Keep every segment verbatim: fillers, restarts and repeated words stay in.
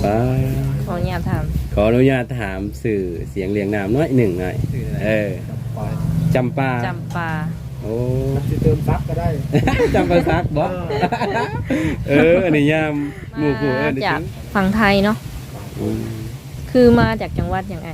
ขออนุญาตถามขออนุญาตถามสื่อเสียงเรียงนามน้อยหนึ่งหน่อยเออจำปาจำปาโอ้จะเติมซักก็ได้จำปาซักบ่เอออันนี้ยามหมู่ผู้เออจากฝั่งไทยเนาะคือมาจากจังหวัดยังไง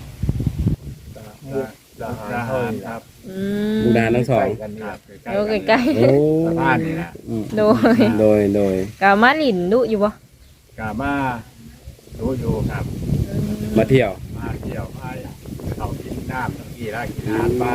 มุกดาหารครับมุกดาหารทั้งสองโอ้ใกล้ๆบ้านนี่นะโดยโดยโดยกามาลินดุอยู่บ่กามาดูอยู่ครับมาเที่ยวมาเที่ยวไปเขากินน้ำกินอะไรกินอาหารปลา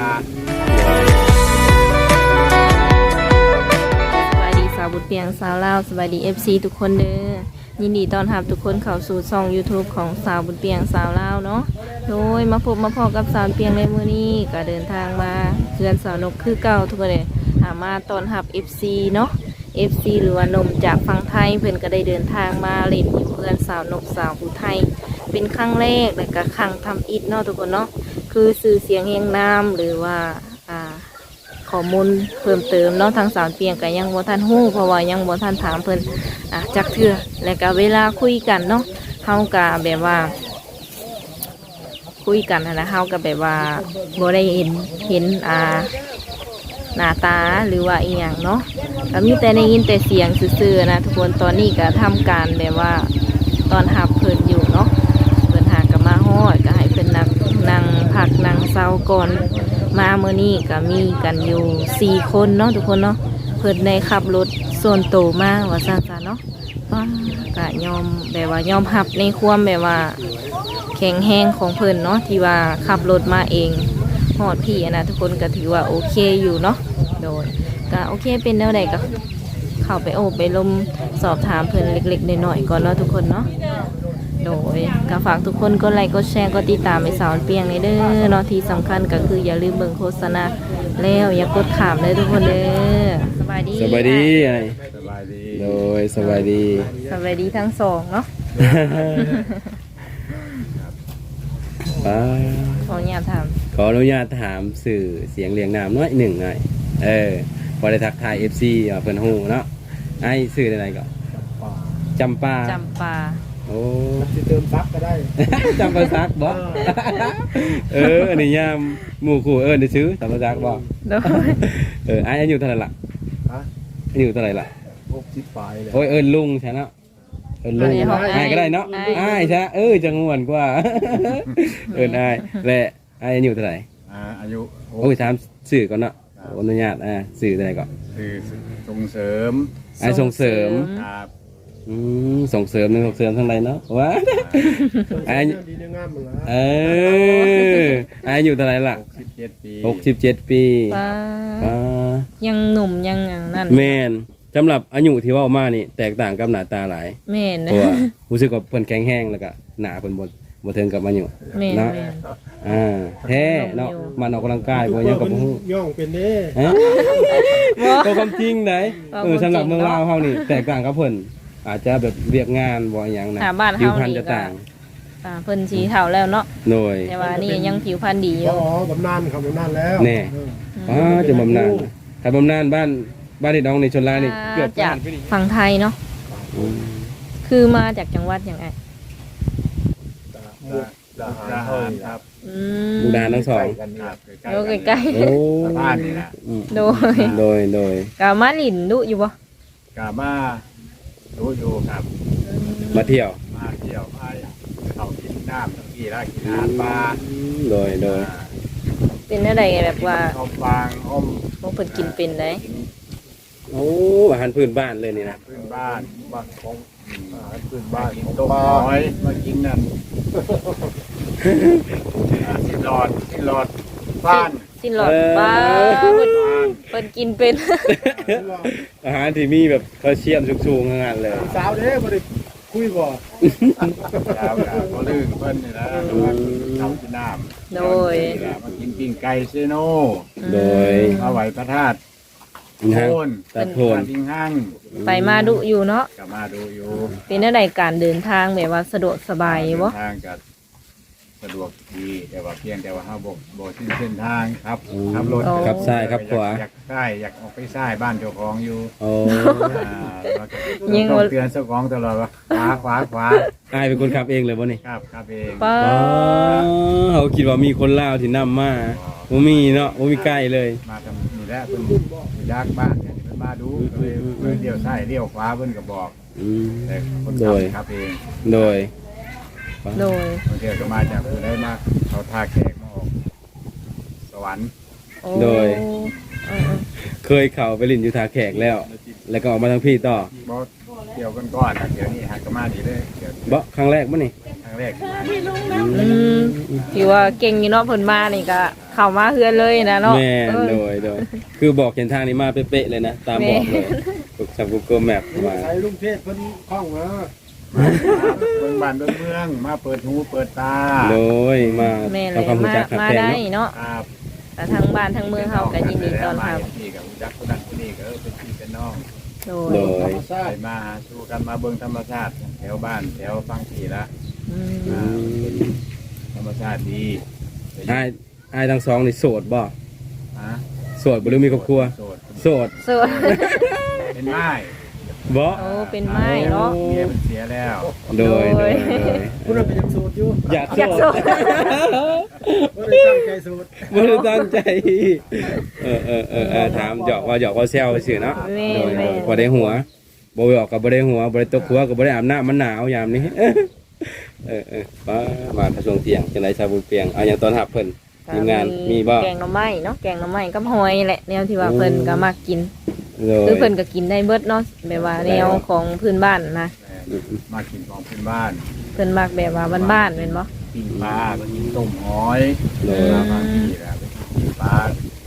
สวัสดีสาวบุญเปียงสาวลาวสวัสดี เอฟ ซี ทุกคนเด้อยินดีต้อนรับทุกคนเข้าสู่ช่อง YouTube ของสาวบุญเปียงสาวลาวเนาะโดยมาพบมาพอกับสาวเปียงในมื้อนี้ก็เดินทางมาเพื่อนสาวนกคือเก่าทุกคนเลยหามาต้อนรับ เอฟ ซี เนาะ เอฟ ซี หรือว่านมจากฝั่งไทยเพื่อนก็ได้เดินทางมาเล่นอยู่เพื่อนสาวนกสาวผู้ไทยเป็นครั้งแรกแต่ก็ครั้งทำอิฐเนาะทุกคนเนาะคือสื่อเสียงเฮงนามหรือว่าอ่าข้อมูลเพิ่มเติมเนาะทางสาวเปียงก็ยังบ่ทันฮู้เพราะว่ายังบ่ทันถามเพิ่นอ่ะจักเทื่อแล้วก็เวลาคุยกันเนาะเฮาก็แบบว่าคุยกันนะเฮาก็แบบว่าบ่ได้เห็นเห็นอ่าหน้าตาหรือว่าอีหยังเนาะก็มีแต่ได้ยินแต่เสียงซื่อๆนะทุกคนตอนนี้ก็ทำการแบบว่าตอนหับเพิ่นอยู่เนาะเพิ่นหาก็มาฮอดก็ให้เพิ่นนั่งนั่งพักนั่งเซาก่อนมาเมื่อนี้ก็มีกันอยู่สี่คนเนาะทุกคนเนาะเพิ่นได้ขับรถส่วนโตมาว่าซั่นๆเนาะก็ยอมแบบว่ายอมรับในความแบบว่าแข็งแรงของเพิ่นเนาะที่ว่าขับรถมาเองฮอดพี่นะทุกคนก็ถือว่าโอเคอยู่เนาะโดยก็โอเคเป็นแนวใดก็เข้าไปโอบไปลมสอบถามเพื่อนเล็กๆหน่อยๆก่อนเนาะทุกคนเนาะโดยก็ฝากทุกคนกดไลค์กดแชร์กดติดตามไปสาวเปียงในเด้อเนาะที่สำคัญก็คืออย่าลืมเบิ่งโฆษณาแล้วอย่ากดขามเลยทุกคนเด้อสบายดีสบายดีไอ้สบายดีโดยสบายดีสบายดีทั้งสองเนาะขออนุญาตถามขออนุญาตถามสื่อเสียงเรียงนามน้อยหนึ่งหน่อยเออพอได้ทักทาย เอฟ ซี เพิ่นฮู้เนาะไอ้สื่ออะไรก่อนจำปาจำปาโอ้จะเติมซักก็ได้จำปาซักบ่เอออันนี้ยามหมู่คู่เอิ้นได้ซื้อจำปาซักบ่เออไอ้อายุเท่าไหร่ล่ะฮะอายุเท่าไหร่ล่ะหกสิบปลายเลยโอ้ยเอิ้นลุงใช่เนาะเอิ้นลุงไอ้ก็ได้เนาะไอ้ใช่เออจังม่วนกว่าเอิ้นไอ้และไอ้อายุเท่าไหร่อ่าอายุโอ้ยถามสื่อก่อนเนาะอนุญาตอ่าสื่ออะไรก่อนคือส่งเสริมไอ้ส่งเสริมครับอืมส่งเสริมหนึ่งส่งเสริมทั้งใดเนาะว้าไอ้เออไอ้อยู่เท่าไหร่ล่ะหกสิบเจ็ดปีหกสิบเจ็ดปียังหนุ่มยังอย่างนั้นแม่นสำหรับอายุที่ว่ามานี่แตกต่างกับหน้าตาหลายแม่นเพราะว่ารู้สึกว่าเพิ่นแข็งแรงแล้วก็หน้าเพิ่นบ่บ่เทิงกับอายุเนาะอ่าแท้เนาะมันออกกำลังกายบ่ยังกับบ่ฮู้ย่องเป็นเด้ก็ความจริงได้เออสำหรับเมืองลาวเฮานี่แตกต่างกับเพิ่นอาจจะแบบเรียกงานบ่อหยังนะผิวพรรณจะต่างอ่าเพิ่นสีเฒ่าแล้วเนาะโดยแต่ว่านี่ยังผิวพรรณดีอยู่อ๋อบำนาญครับบำนาญแล้วแน่อ๋อจะบำนาญถ้าบำนาญบ้านบ้านที่น้องในชลานี่เกือบจากฝั่งไทยเนาะคือมาจากจังหวัดยังไงมุกดาหารครับมุกดาหารทั้งสองโอ้ใกล้ๆโอ้บ้านนี่นะโดยโดยโดยกามาลินดุอยู่บ่กามาดูอยู่ครับมาเที่ยวมาเที่ยวไปเขากินน้ำกินอะไรกินอาหารปลาโดยโดยเป็นอะไรแบบว่าอ้อมฟางอ้อมพวกเพิ่นกินเป็นได้โอ้อาหารพื้นบ้านเลยนี่นะพื้นบ้านบ้านของอาหารพื้นบ้านกินต้มน้อยมากินนั่นสิหลอดสิหลอดบ้านสิหลอดบ้านเพิ่นกินเป็นอาหารที่มีแบบแคลเซียมสูงๆงานเลยสาวเด้บ่ได้คุยบ่สาวก็ลื่นเพิ่นนี่นะทำกินน้ำโดยมากินปิ้งไก่เซโนโดยมาไหวพระธาตุโทนตัดโทนทิ้งห้างไปมาดุอยู่เนาะกลับมาดูอยู่เป็นอะไรการเดินทางแบบว่าสะดวกสบายบ่ทางกับสะดวกดีแต่ว่าเพียงแต่ว่าเฮาบ่บ่สิ้นเส้นทางครับขับรถครับซ้ายครับขวาอยากซ้ายอยากออกไปซ้ายบ้านเจ้าของอยู่โอ้อ่าเราจะต้องเตือนเจ้าของตลอดว่าขวาขวาขวาอายเป็นคนขับเองเลยบ่นี่ครับครับเองป้าอ๋อเขาคิดว่ามีคนลาวที่นำมาบ่มีเนาะบ่มีใกล้เลยมาทำนี่แหละเพิ่นอยู่ยากบ้านเนี่ยเพิ่นมาดูก็เลยเพิ่นเลี้ยวซ้ายเลี้ยวขวาเพิ่นก็บอกอืมแต่คนโดขับยครับเองโดยโดยบางทีก็มาจากผู้ใดมาเขาท่าแขกมาออกสวรรค์โอ้โดยเออเคยเข้าไปลินอยู่ทาแขกแล้ว แล้วก็ออกมาทางพี่ต่อบ่เกี่ยวกันก่อนนะเดี๋ยวนี้หักก็มาดีเลยเดี๋ยวบ่ครั้งแรกบ่นี่ครั้งแรกๆอืมถือว่าเก่งอยู่เนาะเพิ่นมานี่ก็เข้ามาเฮือนเลยนะเนาะแม่นเออโดยโดยคือบอกเห็นทางนี้มาเป๊ะๆเลยนะ ตามบอกเลยฝึกจาก Google Map มาใช้ลุงเทศเพิ่นคล่องมาเบิ่งบ้านเบิ่งเมืองมาเปิดหูเปิดตาโดยมาแม่นเลทำความยรู้มาจักขับมาแพงได้เนาะเนาะครับแต่ทางบ้านทางเมืองเฮาก็ยินดีต้อนรับนี่กับรู้จักคนนั้นคนนี้ก็เออเป็นพี่เป็นน้องโดโดยยธรรมชาไปติมาหาสู่กันมาเบิ่งธรรมชาติแถวบ้านแถวฟังผีละอืมอืมธรรมชาติดีอ้ายอ้ายทั้งสองนี่โสดบ่ฮะโสดบ่หรือมีครอบครัวโสดโสดสวยเป็นไม้บ่โอ้เป็นไม้เนาะเมียมันเสียแล้วโดยโดโดยยโดยคุณเป็นยังโสดอยู่อยากอยากโสโสดดบ่ได้ตั้งใจโสดบ่ได้ตั้งใจ เออเออเออเออถามหยอกว่าหยอกว่าแซวซื่อเนาะแม่โดยแม่บ่ได้หัวบ่หยอกก็บ่ได้หัวบ่ได้ตกหัวก็บ่ได้อาบน้ำมันหนาวยามนี้ เออเออป้ามาทะสวงเตียงจังได๋ชาวบุญเปียงเอาหยังตอนรับเพิ่นทีมงานมีบ่แกงหน่อไม้เนาะแกงหน่อไม้กับหอยแหละแนวที่ว่าเพิ่นก็มักกินโดยคือเพิ่นก็กินได้เบิดเนาะแบบว่าแนวของพื้นบ้านนะมากินของพื้นบ้านเพิ่นมักแบบว่าบ้านๆแม่นบ่ปิ้งปลาไปกินต้มหอยโดยมาบางทีนะไปกินปิ้งปลา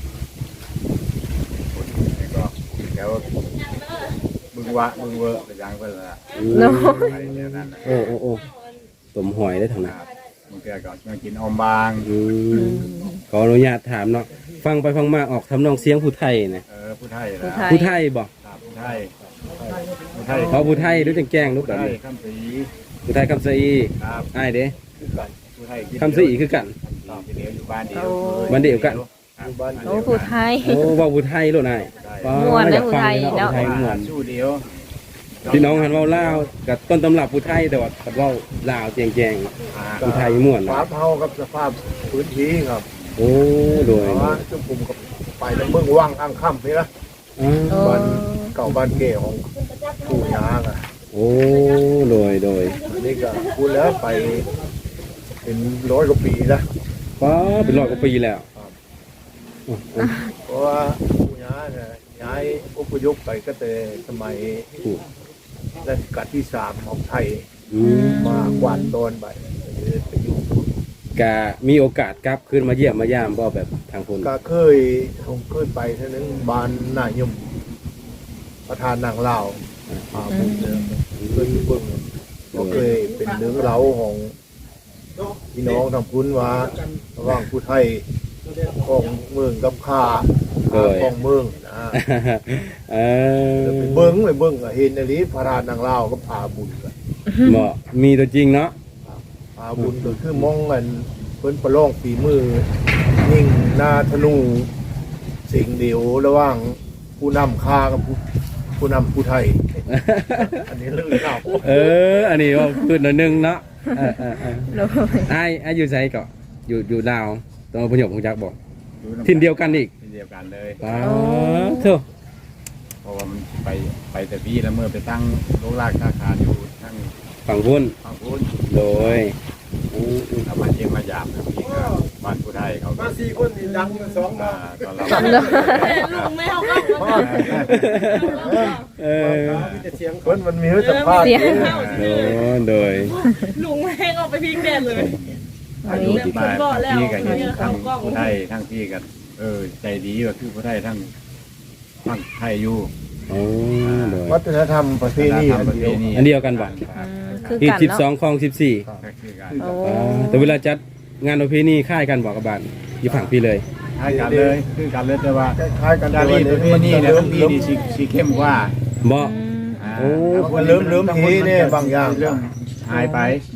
แล้วก็แถวบึงวะบึงเวอร์ไปยังเพิ่นละเนาะไปแถวนั้นนะโอ้โอ้โอ้ต้มหอยได้ทางคนั้นรับบางทีก็มากินอมบางอืมขออนุญาตถามเนาะฟังไปฟังมาออกทำนองเสียงผู้ไทยนะเออผู้ไทยผู้นะไทยผู้ไทยบ่ครับผู้ไทยผู้ไทยขอผู้ไทยด้วยแจ้งๆลูกผู้กันไทยคำสีผู้ไทยคำสะอีครับอ้ายเด้ผู้ไทยคำสะอีคือกันคำสีเดียวอยู่บ้านเดียวบ้านเดียวกันครับบ้านเดียวโอ้ผู้ไทยโอ้เว่าผู้ไทยโลดนายว้าม่วนนะอยากฟังผู้ไทยเนาะเนาะผู้ไทยม่วนสู้เดียวพี่น้องหันเว้าลาวกับต้นตำรับผู้ไทยแต่ว่ากับเว้าลาวแจ้งๆผู้ไทยม่วนฟ้านะเฮากับสภาพพื้นที่ครับโอ้โดยเพราะว่าจุ่มกลุ่มกับไปทางเมืองว่างอังค่ำนี่นะอ๋อโอ้บ้านเก่าบ้านเก่ของปู่ย่าอ่ะโอ้โดยโดยอันนี้ก็พูดแล้วไปเป็นร้อยกว่าปีแล้วป้าเป็นร้อยกว่าปีแล้วโอ้โอ้เพราะว่าปู่ย่าเนี่ยย้ายอพยพไปก็แต่สมัยรัชกาลที่สามของไทยอืมมากวาดโดนไปไปอยู่กะมีโอกาสกลับขึ้นมาเยี่ยมมายามบ่แบบทางคนก็เคยผมเคยไปเท่านั้นบานนายมประธานนางเล่าวอ่าผมเจอเคยอยู่เบิ่งก็เคยเป็นเรื่องเล่าของพี่น้องทำพุ้นว่าระหว่างผู้ไทยของเมืองกับข้าของเมืองนะเออไปเบิ้งไปเบิ้งก็เห็นในนี้พระธานนางเล่าวก็พาบุญกันบ่มีตัวจริงเนาะพาบุญก็คือมองกันเพิ่นประลองฝีมือยิ่งหนาธนูสิ่งเดียวระหว่างผู้นำข้ากับผู้ผู้นำผู้ไทย อันนี้เรื่องเล่าเออ อันนี้ว่าพูดหน่อยนึงเนาะเออเออเออโดยไอ้ไอ้อยู่ไสก็อยู่อยู่ลาวตรงอพยพของจักบ่ทินเดียวกันอีกที่เดียวกันเลยป้าเท่าเพราะว่ามันไปไปแต่พี่แล้วเมื่อไปตั้งโรงรากค้าขายอยู่ทั้งฝั่งพุ่นฝั่งพุ้นโดยอืมอืมเอามาเยี่ยมมาหยาบนะพี่ก็บ้านผู้ไทยเขาก็มาสี่คนนี่ดังกันสองมามาตอนเราลุงไม่เอาเข้ามาเออมีแต่เสียงคนมันมีสัมภาษณ์เสียงโดยโดยลุงไม่ให้เอาไปพิงแดดเลยอันนี้บ้านพี่กันอยู่ทั้งผู้ไทยทั้งพี่กันเออใจดีว่าคือผู้ไทยทั้งทั้งไทยอยู่โอ้โดยวัฒนธรรมประเพณีอันเดียวอันเดียวกันบ่อืมคือที่กันสิบสอเนาะงคลองสิบสี่ก็คือกันโอ้อ่าแต่เวลาจัดงานประเพณีค่ายกันบอกกับบ้านอยู่ฝั่งพี่เลยคล้ายกันเลยคือกันเลยแต่ว่าคล้ายๆกันจารีตประเพณีเนี่ยทั้งพี่นี่สีสีเข้มกว่าบ่อืมอ่าโอ้มันเริ่มเริ่มทีเนี่ยบางอย่างเริ่มหายไป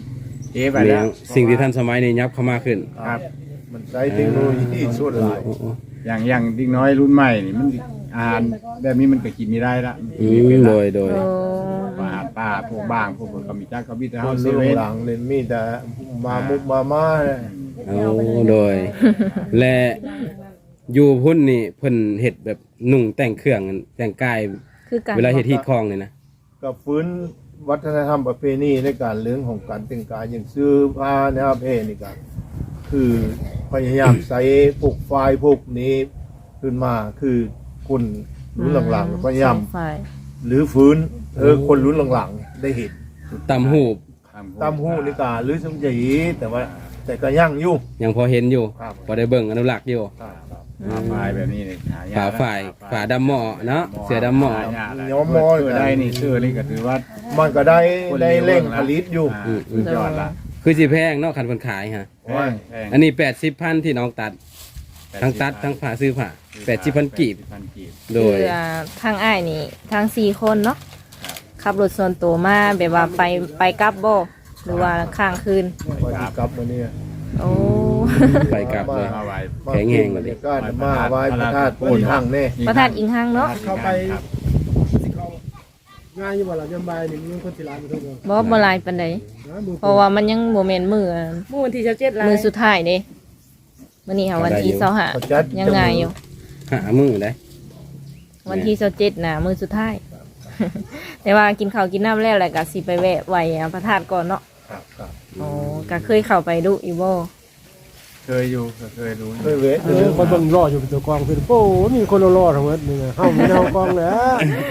เอ๊ะไปมีแล้วสิ่งที่ทันสมัยนี้ยับเข้ามาขึ้นครับมันใช้เทคโนโลยีส่วนหลายโอ้โอ้อย่างอย่างเด็กน้อยรุ่นใหม่นี่มันอาหารแบบนี้มันก็กินไม่ได้ละมันกิอืนไม่เป็มนโดละยโดยโอ้อาหารป่าพวกบางพวกก็มีจักก็มีแต่คเฮาน เซรุ่นเว่นหลังเลยมีแต่มามุกมาม่าเนี่ยเอาโดย และอยู่พุ่นนี่เพิ่นเฮ็ดแบบนุ่งแต่งเครื่องแต่งกายคือกันเวลาเฮ็ดที่คลองนี่นะก็ฟื้นวัฒนธรรมประเพณีในการเรื่องของการแต่งกายอย่างซื้อผ้านะครับเพนี่ก็คือพยายามใส่พวกไฟล์พวกนี้ขึ้นมาคือคนรุ่นหลังๆพยายามใช่หรือฟื้นเออคนรุ่นหลังๆได้เห็นตำหูบตามหูนี่กาหรือสมจีแต่ว่าแต่ก็ยั่งอยู่ยังพอเห็นอยู่ครับพอได้เบิ่งอนุรักษ์อยู่ครับครับฝาฝ่ายแบบนี้นี่หายากฝาฝ่ายฝาดำหม้อเนาะเสือดำหม้อหายากละย้อมมอเสื้อได้นี่เสื้อนี่ก็ถือว่ามันก็ได้คนได้เลี้ยงเร่งนะผลิตอยู่าสุดยอดละคือสิแพงเนาะคันเพิ่นขายฮะแพงแพงอันนี้แปดสิบพันที่น้องตัด ทั้งตัดทั้งผ่าซื้อผ่าแปดสิบพันกีบแปดสิพันกีบโดยคืออ่าทางอ้ายนี่ทางสี่คนเนาะขับรถส่วนตัวมาแบบว่าไปไปกลับบ่หรือว่าข้างคืนวันที่กลับมาเนี่ยโอ้ไปกลับเลยมาไว้แข็งแรงกบรว่าดิรยากาศมาไหว้พระธาตุโพนทางเนี่ยประธานอิงหังเนาะเข้าไปครับสิเขาง่ายอยู่บ่ล่ะยามบ่ายนี่มีคนสิลายมาทุกคนบ่บ่หลายปานใดนะมือเพราะว่ามันยังบ่แม่นมื้อหมู่ที่จะเจ็ดลายมื้อสุดท้ายเด้มื้อนี้ค่ะวันที่ยี่สิบห้าเขาจัดยังไงอยู่หามือได้วันที่ยี่สิบเจ็ดน่ะมื้อสุดท้าย แต่ว่ากินข้าวกินน้ำแล้วแหละก็สิไปแวะไหว้พระธาตุก่อนเนาะครับครับอ๋อก็เคยเข้าไปดูอีบ่เคยอยู่เคยรู้เคยเวทเออคนเบิ่งรออยู่เป็นตัวกองคือโอ้มีคนรอๆทั้งหมดนี่ไงเฮามีแนวกองแหล้ว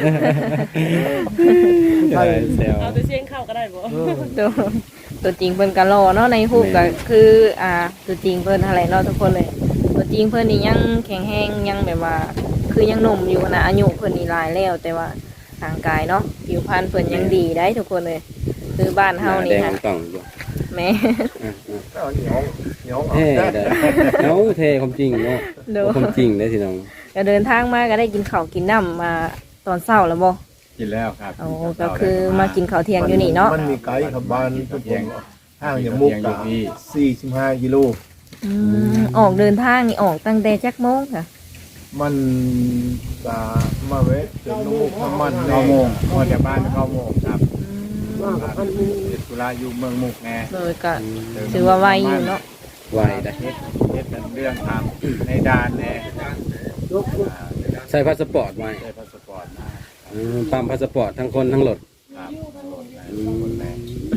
ใช่แซวเอาไปเชียงเข้าก็ได้บ่ตัวตัวจริงเพิ่นก็รอเนาะในรูปก็คืออ่าตัวจริงเพิ่นอะไรเนาะทุกคนเลย ตัวจริงเพิ่นนี่ยังแข็งแรงยังแบบว่า คือยังหนุ่มอยู่นะอายุเพิ่นนี่หลายแล้ว แต่ว่าร่างกายเนาะผิวพรรณเพิ่นยังดีได้ทุกคนเลย คือบ้านเฮานี่แดงฮะต้องอยู่แม่อ่ะเอาเหนียวเหนียวเอาๆเท่ได้ได้เอาเท่ความจริงเนาะเด้อความจริงได้สิน้องก็เดินทางมาก็ได้กินข้าวกินน้ำมาตอนเช้าแล้วบ่กินแล้วครับอ๋อก็คือมากินข้าวเที่ยงอยู่นี่เนาะมันมีไกด์ขับบ้านทุกคนห้างอย่างมุกตาสี่สิบห้ากิโลอืมออกเดินทางนี่ออกตั้งแต่จักโมงค่ะมันกามาเวทจนน้ำมุกน้ำมันเก้าโมงพอจากบ้านเก้าโมงครับว่ากับอันนี้เฮ็ดธุระอยู่เมืองมุกแน่เลยก็ถือว่าไวอยู่เนาะไหวได้เฮ็ดเฮ็ดเป็นเรื่องทางในด่านแน่ยกอ่าใส่พาสปอร์ตไว้ได้พาสปอร์ตมาอืมปั๊มพาสปอร์ตทั้งคนทั้งรถครับรถได้คนแน่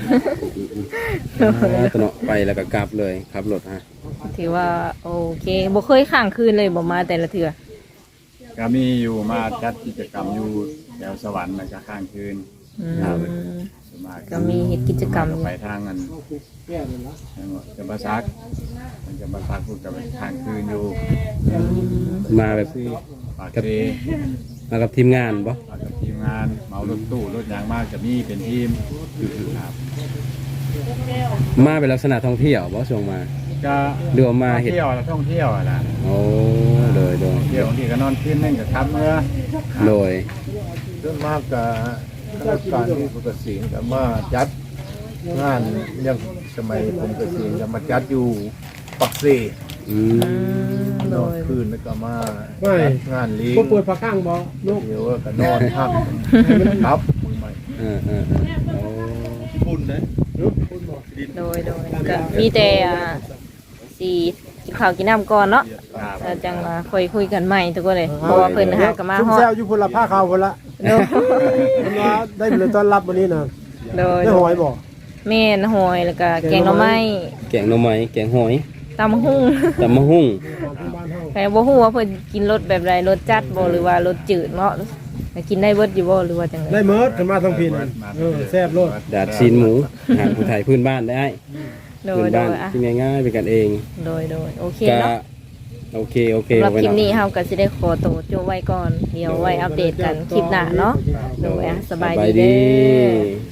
อ่าตวเนาะไปแล้วก็กลับเลยขับรถฮะถือว่าโอเคบ่เคยข้างคืนเลยบ่มาแต่ละเทื่อก็มีอยู่มาจัดกิจกรรมอยู่แถวสวรรค์นะจะข้างคืนอืมส่วนมากก็มีเฮ็ดกิจกรรมส่วนากอยู่ไปทางนั้นแก้เลยนะจังหวัดจะมาซักมันจะมาซักพูดกับข้างคืนอยู่มาแบบปากเซมากับทีมงานบ่มากับทีมงานเหมารถตู้รถยางมากจะมีเป็นทีมครับมาเป็นลักษณะท่องเที่ยวบ่ช่วงมาก็เรือว่ามาเห็ดเที่ยวแล้วท่องเที่ยวอะนะโอ้โดยโดยเที่ยวบางทีก็นอนคืนนึงกับทับเมื่อโดยเรื่องมากกับข้าราชการที่ผมเกษียณกับมาจัดงานยังสมัยผมเกษียณกับมาจัดอยู่ปักเซอืมอืมโดนอนยคืนแล้วก็มาไม่จัดงานเลี้ยงบ่ป่วยผักข้างบ่ลูกเดี๋ยวก็นอนพักครับมือใหม่เออเออเออโอ้บุญนะลูกคุณบ่โดยโดยก็มีแต่อ่าสิกินข้าวกินน้ำก่อนเนาะครับแล้วจังมาคุยคุยกันใหม่ทุกคนเลยเพราะว่าเพิ่นหาก็มาซุ่มฮอดแซวอยู่พุ่นละผ้าขาวพุ่นละโดยเพิ่นว่าได้เลยต้อนรับวันนี้น่ะโดยได้หอยบ่แม่นหอยแล้วก็แกงหน่อไม้แกงหน่อไม้แกงหอยตำหุ่งตำมะฮุ่งบ้านเฮาแต่บ่ฮู้ว่าเพิ่นกินรสแบบใดรสจัดบ่หรือว่ารสจืดเนาะแต่กินได้เบิดอยู่บ่หรือว่าจังไดได้เมิดขึ้นมาทางพินเออแซ่บโลดดาดซีนหมูอาหารผู้ไทยพื้นบ้านได้โดพื้ยนโดบ้านยอ่ะที่ง่ายๆเป็นกันเองโดยโดยโอเคก็เนาะโอเคโอเคสำหรับไว้คลิปเนาะนี้เฮาก็สิได้ขอตัวจบไว้ก่อน เดี๋ยวไว้อัปเดตกันคลิปหน้าเนาะโดยอ่ะสบายดีเด้อ